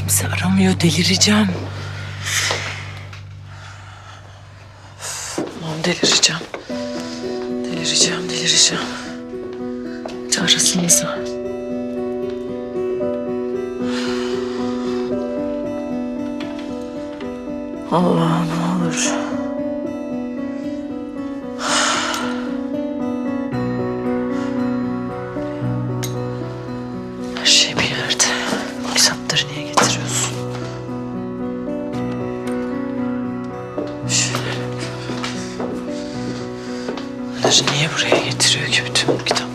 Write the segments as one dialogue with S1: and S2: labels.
S1: Kimse aramıyor, delireceğim. Aman delireceğim. Delireceğim. Arasınıza. Allah'ım ne olur. Her şey bir yerde. Kitapları niye getiriyorsun? Bunları niye buraya getiriyor ki bütün bu kitaplar?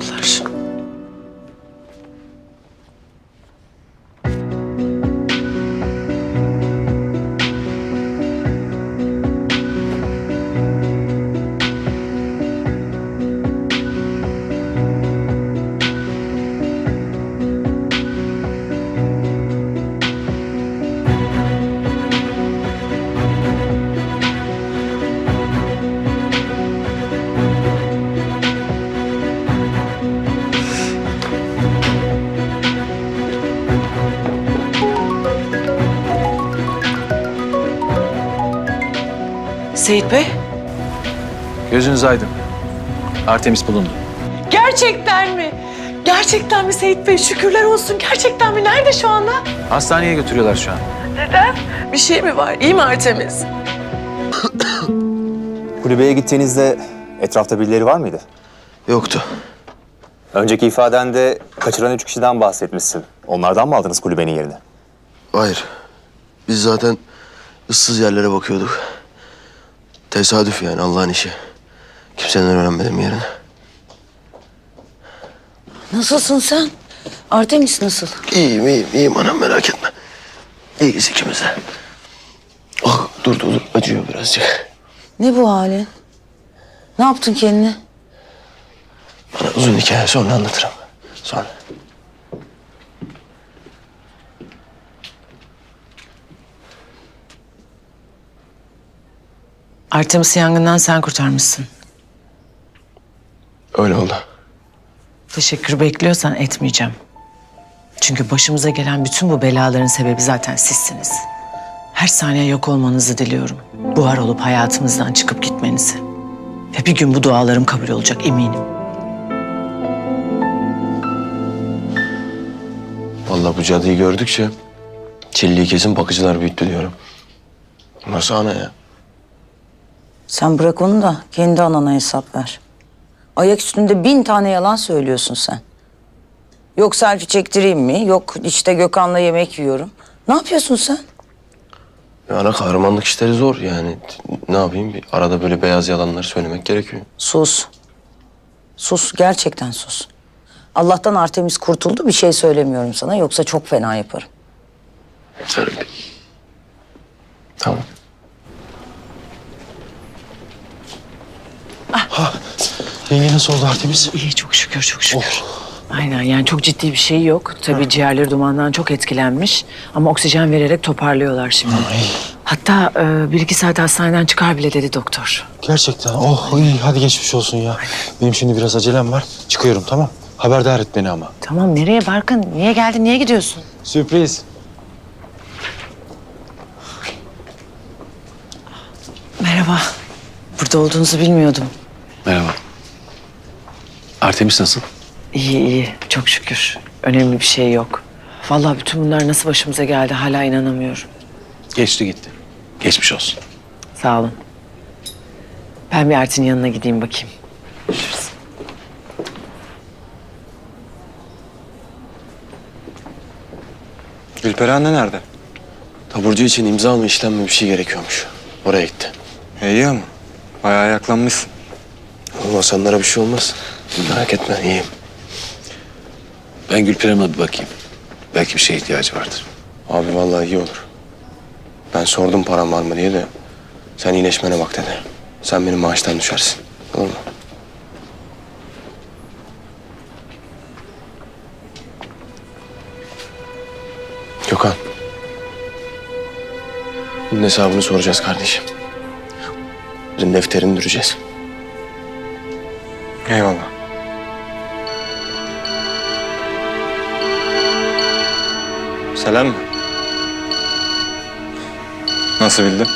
S1: Seyit Bey.
S2: Gözünüz aydın. Artemis bulundu.
S1: Gerçekten mi? Gerçekten mi Seyit Bey? Şükürler olsun. Gerçekten mi? Nerede şu anda?
S2: Hastaneye götürüyorlar şu an.
S1: Neden? Bir şey mi var? İyi mi Artemis?
S3: Kulübeye gittiğinizde etrafta birileri var mıydı?
S4: Yoktu.
S3: Önceki ifadende kaçıran 3 kişiden bahsetmişsin. Onlardan mı aldınız kulübenin yerini?
S4: Hayır. Biz zaten ıssız yerlere bakıyorduk. Tesadüf yani, Allah'ın işi. Kimseden öğrenmedim yerini.
S5: Nasılsın sen? Artemis nasıl?
S4: İyiyim anam, merak etme. İyiyiz ikimiz de. Oh, dur acıyor birazcık.
S5: Ne bu halin? Ne yaptın kendine?
S4: Bana uzun hikaye, sonra anlatırım. Sonra.
S1: Artemis'i yangından sen kurtarmışsın.
S4: Öyle oldu.
S1: Teşekkür bekliyorsan etmeyeceğim. Çünkü başımıza gelen bütün bu belaların sebebi zaten sizsiniz. Her saniye yok olmanızı diliyorum. Buhar olup hayatımızdan çıkıp gitmenizi. Ve bir gün bu dualarım kabul olacak eminim.
S4: Vallahi bu cadıyı gördükçe Çilli'yi kesin bakıcılar büyüttü diyorum. Nasıl ana ya?
S5: Sen bırak onu da kendi anana hesap ver. Ayak üstünde 1000 tane yalan söylüyorsun sen. Yok selfie çektireyim mi? Yok işte Gökhan'la yemek yiyorum. Ne yapıyorsun sen?
S4: Ya ana, kahramanlık işleri zor yani. Ne yapayım? Arada böyle beyaz yalanlar söylemek gerekiyor.
S5: Sus. Sus, gerçekten sus. Allah'tan Artemis kurtuldu, bir şey söylemiyorum sana. Yoksa çok fena yaparım.
S4: Sen... Tamam.
S6: Yenge nasıl oldu Artemis?
S1: İyi çok şükür. Aynen yani çok ciddi bir şey yok. Tabii ciğerleri dumandan çok etkilenmiş. Ama oksijen vererek toparlıyorlar şimdi. Hatta 1-2 saat hastaneden çıkar bile dedi doktor.
S6: Gerçekten. Oh iyi, hadi geçmiş olsun ya. Benim şimdi biraz acelem var. Çıkıyorum, tamam. Haberdar et beni ama.
S1: Tamam nereye Barkın? Niye geldin? Niye gidiyorsun?
S6: Sürpriz.
S1: Merhaba. Burada olduğunuzu bilmiyordum.
S2: Merhaba. Artemis nasıl?
S1: İyi. Çok şükür. Önemli bir şey yok. Vallahi bütün bunlar nasıl başımıza geldi hala inanamıyorum.
S2: Geçti gitti. Geçmiş olsun.
S1: Sağ olun. Ben bir Art'in yanına gideyim bakayım. Görüşürüz.
S6: Gülperi anne nerede?
S4: Taburcu için imza mı işlem mi bir şey gerekiyormuş. Oraya gitti.
S6: İyi ama. Bayağı ayaklanmışsın.
S4: Oğlum Hasanlara bir şey olmaz. Merak etme, iyiyim.
S2: Ben Gülperi'me bir bakayım. Belki bir şeye ihtiyacı vardır.
S4: Abi vallahi iyi olur. Ben sordum param var mı diye de sen iyileşmene bak dedi. Sen benim maaştan düşersin. Olur mu? Gökhan. Bunun hesabını soracağız kardeşim. Bizim defterini düreceğiz.
S6: Eyvallah. Selam mı?
S7: Nasıl bildin?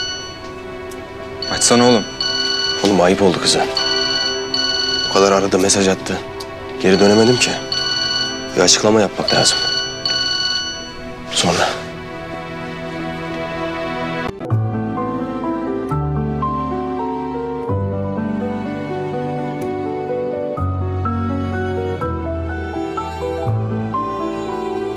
S7: Açsana oğlum.
S4: Oğlum ayıp oldu kıza. O kadar aradı, mesaj attı. Geri dönemedim ki. Bir açıklama yapmak lazım. Sonra.